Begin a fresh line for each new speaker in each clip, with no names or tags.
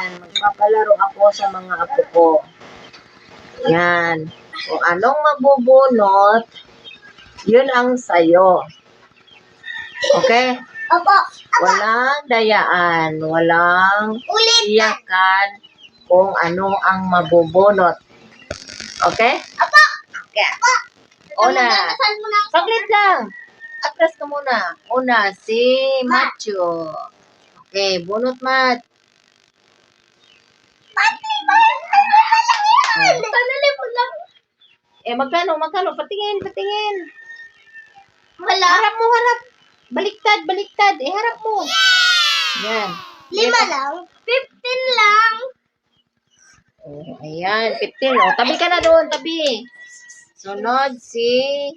Yan, magpapalaro ako sa mga apo ko. Yan. Kung anong mabubunot, yun ang sayo. Okay?
Opo.
Walang dayaan, walang iyakan kung ano ang mabubunot. Okay?
Opo.
Okay. Una. Saglit lang. Atras ka muna. Una, si Macho. Okay, bunot, Mat. Magkano? Patingin.
Wala.
Harap mo, harap. Baliktad. Harap mo. Yan.
5 lang. 15 lang.
Oh, ayan, 15. Oh, tabi ka na doon, tabi. Sunod si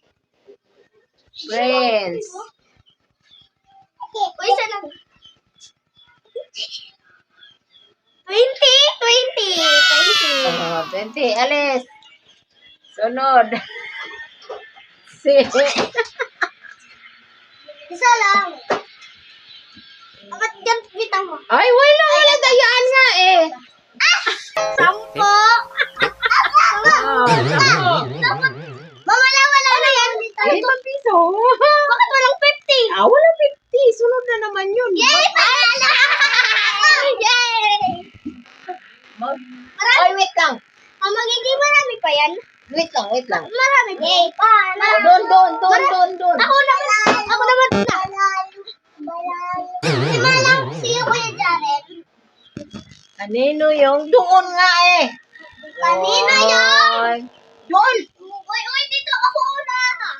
Prince.
Uy, isa lang. 20.
Oh, 20. Alice. Sunod. Si
Isa lang. Ba't yan bitang mo?
Ay, wala dayaan nga eh.
10.
Oh,
Mama lang, wala na yan.
5 piso.
Bakit walang 50?
Wala 50. Sunod na naman yun.
Yay! Panalo! Yay!
Ay, wait lang.
Magiging marami pa yan.
Wait lang.
Marami pa. Yay! Panalo!
Doon.
Ako naman na. Si Malang, si Kuya Jaren.
Kanino yung doon nga eh?
Kanino yun?
Doon.
Uy, dito ako una.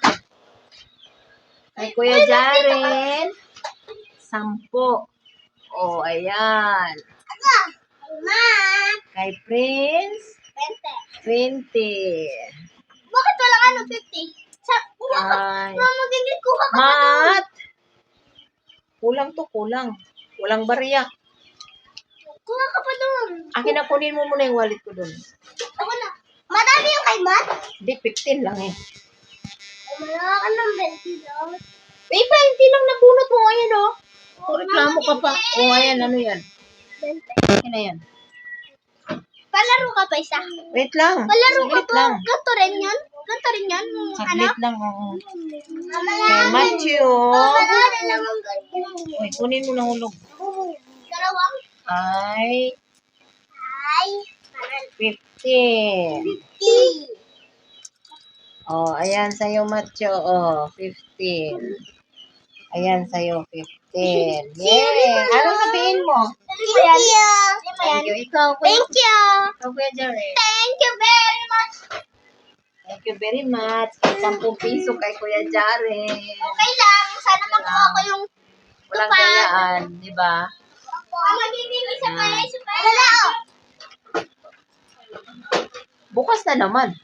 Kay Kuya Jaren. 10. Oh, ayan.
Ma.
Kay Prince. 20.
Bakit wala ka ng 50?
Ay.
Magiging kuha ka.
Mat. Kulang. Walang barya.
Kuha ka pa doon.
Akin na, kunin mo muna yung wallet ko doon.
Ako na. Madami yung kay Matt.
Hindi, 15 lang eh.
Wala ka ng 20 daw.
20 lang nabunot mo. Ayan oh. Kung reklamo ka pa. Oh, ayan. Ano yan?
20.
Ayan na yan.
Palaro ka pa isa.
Wait lang.
Palaro ka
Saglit
pa.
lang.
Ganto rin yun.
Saglit lang. Oo.
Mama
Kay Matthew.
Mama na naman ganyan.
Uy, kunin mo na hulog.
Dalawang.
Ay,
Ay.
15.
50.
Oh, ayan sa'yo, Matthew. Oh, 15. Ayan sa'yo, 15. Yay! Ano sabihin mo?
Thank you.
Thank you. Ikaw, Kuya.
Thank you.
Ikaw, Kuya Jaren.
Thank you very much.
Thank you very much. 10 piso kay Kuya Jaren.
Okay lang. Sana makuha ko yung
Walang
tupad.
dayaan, di ba?
Magiging isa pa. Wala.
Bukas na naman.